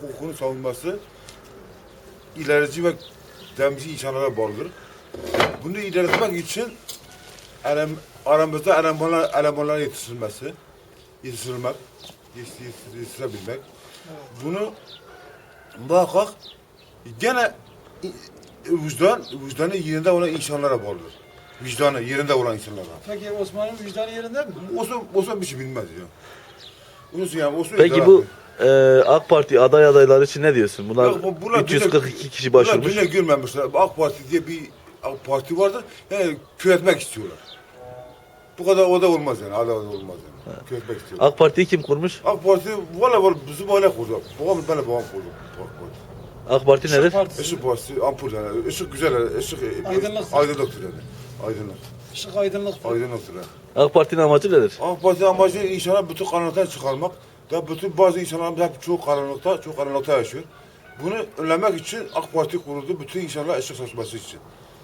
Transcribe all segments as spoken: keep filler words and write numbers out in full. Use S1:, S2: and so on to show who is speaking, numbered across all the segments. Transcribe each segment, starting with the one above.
S1: hukukunu savunması ilerici ve demci insanlara bağlıdır. Bunu ilerletmek için elem, aramızda elemanlar, elemanlar yetiştirilmesi, yetiştirilmek, yetiştirebilmek. Bunu muhakkak gene vicdan, vicdanı yerinde olan insanlara bağlıdır. Vicdanı yerinde olan insanlara.
S2: Peki Osman'ın vicdanı yerinde mi?
S1: Osman, Osman bir şey bilmez ya. Osman yani Osman
S3: Peki bu e, AK Parti aday adayları için ne diyorsun? Bunlar,
S1: Ya bu- bunlar
S3: üç yüz kırk iki
S1: dünya-
S3: kişi başvurmuş.
S1: Bunlar dünya görmemişler. AK Parti diye bir AK Parti vardır. Yani küretmek istiyorlar. Bu kadar o da olmaz yani. Aday da olmaz yani. Küretmek istiyorlar.
S3: AK Parti'yi kim kurmuş?
S1: AK Parti valla valla bizim aile kurdu. Babam ben de babam kurdu. AK Parti.
S3: AK Parti
S2: Işık
S3: nedir?
S2: Partisi.
S1: Işık Partisi, ampul yani. Işık güzel yani. Işık
S2: Aydınlık.
S1: aydınlıktır yani. Aydınlık.
S2: Işık aydınlık.
S1: Aydınlıktır yani.
S3: AK Parti'nin amacı nedir?
S1: AK Parti amacı insanlar bütün karanlıktan çıkarmak. Da bütün bazı insanlarımız hep çok karanlıkta, çok karanlıkta yaşıyor. Bunu önlemek için AK Parti kuruldu. Bütün insanlar ışık saçması için.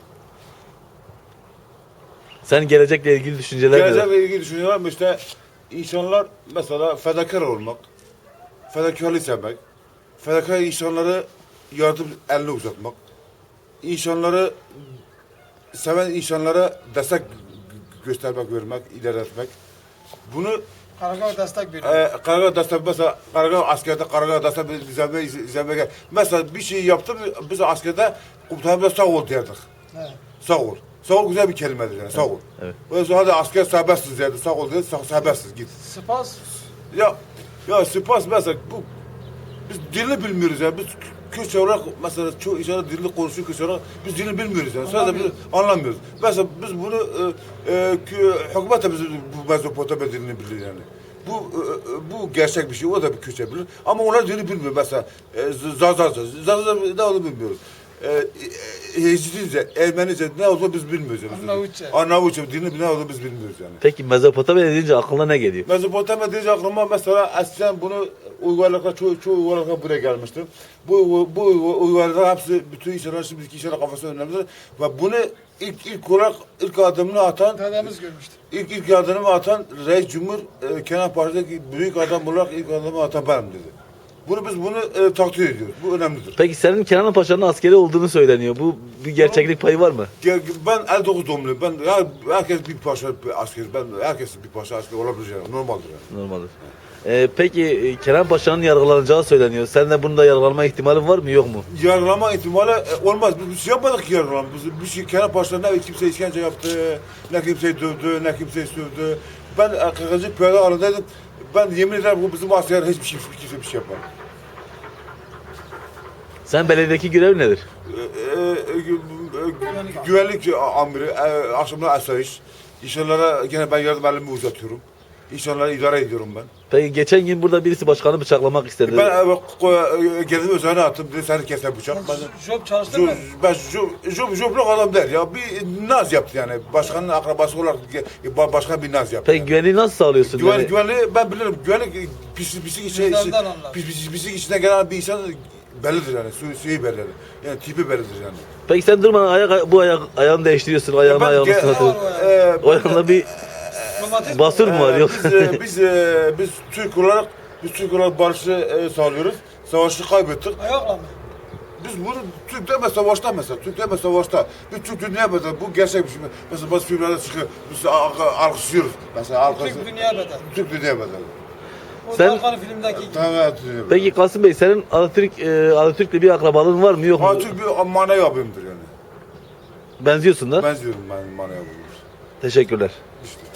S3: Sen gelecekle ilgili düşünceler neler?
S1: Gelecekle ilgili düşünüyorum işte insanlar mesela fedakar olmak, fedakarlığı sevmek, fedakar insanları yardım elini uzatmak, insanları seven insanlara destek göstermek, vermek, ilerletmek. Bunu
S2: Karagöl destek veriyor.
S1: e, Karagöl destek mesela Karagöl askerde Karagöl destek izleme izleme gel. Mesela bir şey yaptı biz askerde komutanımıza sağ ol derdik.
S2: He.
S1: Sağ ol. Sağ ol güzel bir kelimedir yani. Sağ ol.
S3: Evet.
S1: O yüzden hadi asker serbestsiz dedi. Sağ ol dedi. Sağ, serbestsiz git.
S2: Spas.
S1: Ya ya spas mesela bu biz dilini bilmiyoruz yani. Biz Kürtçe olarak mesela çoğu insanlar dilini konuşuyor Kürtçe olarak biz dilini bilmiyoruz yani. Sadece biz anlamıyoruz. Mesela biz bunu e, e, hükümet de biz bu Mezopotamya dilini bilir yani. Bu e, bu gerçek bir şey. O da bir Kürtçe bilir. Ama onlar dilini bilmiyor mesela. E, Zazaza. Zazaza ne olduğunu bilmiyoruz. E, e, Hecizce, Ermenice ne olduğunu biz bilmiyoruz. Yani.
S2: Arnavutça.
S1: Arnavutça dilini ne olduğunu biz bilmiyoruz yani.
S3: Peki Mezopotamya deyince aklına ne geliyor?
S1: Mezopotamya deyince aklıma mesela eskiden bunu uygarlıklar, çoğu, çoğu uygarlıklar buraya gelmiştir. Bu, bu uygarlıklar hepsi, bütün insanlar, şimdiki insanlar kafasına önemlidir. Ve bunu ilk, ilk olarak, ilk adımını atan,
S2: Dedemiz görmüştü.
S1: ilk, ilk adımını atan Reis Cumhur, e, Kenan Paşa'daki büyük adam olarak ilk adımı atan benim dedi. Bunu biz bunu e, takdir ediyoruz. Bu önemlidir.
S3: Peki senin Kenan Paşa'nın askeri olduğunu söyleniyor. Bu bir gerçeklik payı var mı?
S1: Ge- Ben elli dokuz doğumluyum. Ben ya, herkes bir paşa bir asker. Ben herkes bir paşa asker olabilir yani. Normaldir yani.
S3: Normaldir. Ee, peki e, Kenan Paşa'nın yargılanacağı söyleniyor. Sen de bunda yargılanma ihtimalin var mı yok mu?
S1: Yargılama ihtimali e, olmaz. Biz bir şey yapmadık ki yargılama. Biz bir şey Kenan Paşa ne kimse işkence yaptı, ne kimseyi dövdü, ne kimseyi sövdü. Ben Kırkıncı piyade alanındaydım. Ben yemin ederim bu bizim asker hiçbir şey, kimse bir şey yapmadı.
S3: Sen belediyedeki görev nedir?
S1: E, e, e, gü- güvenlik amiri, e, akşamlar asayiş. İnsanlara gene ben yardım elimi uzatıyorum. İnsanları idare ediyorum ben.
S3: Peki geçen gün burada birisi başkanı bıçaklamak istedi.
S1: Ben e, e, geldim üzerine attım. Dedi seni keser bıçak. Ben,
S2: Job çalıştın
S1: Job,
S2: mı?
S1: ben job, job, jobluk adam der ya. Bir naz yaptı yani. Başkanın akrabası olarak ge- başkan bir naz yaptı.
S3: Peki
S1: yani.
S3: güvenliği nasıl sağlıyorsun?
S1: Güven,
S3: Yani
S1: güvenliği ben bilirim. Güvenlik pis, pislik içine,
S2: Vicdandan anlar.
S1: pis, pis, pislik içine gelen bir insan bellidir yani. Su, suyu bellidir. Yani tipi bellidir yani.
S3: Peki sen durmadan ayak, bu ayak, ayağını değiştiriyorsun. Ayağını ayağını
S1: ge-
S3: sınatıyorsun.
S1: e,
S3: O ayağında bir
S2: Romatizm.
S3: basur mu var
S1: e,
S3: yok?
S1: Biz, e, biz, e, biz Türk olarak biz Türk olarak barışı e, sağlıyoruz. Savaşı kaybettik.
S2: Ayakla mı?
S1: Biz bunu Türk deme savaşta mesela, Türk deme savaşta. Biz Türk dünya mesela, bu gerçek bir şey. Mesela bazı filmlerde çıkıyor, biz al- alkışlıyoruz. Mesela alkış.
S2: Türk dünya bedel.
S1: Türk dünya bedeli.
S2: O
S3: Sen-
S2: Tarkan'ın filmdeki gibi.
S1: Tamam, evet, dünya bedeli.
S3: Peki Kasım Bey senin Atatürk e, Atatürk'le bir akrabalığın var mı yok mu?
S1: Ha, Türk bir manevi abimdir yani.
S3: Benziyorsun da.
S1: Benziyorum ben manevi abimdir.
S3: Teşekkürler.
S1: İşte.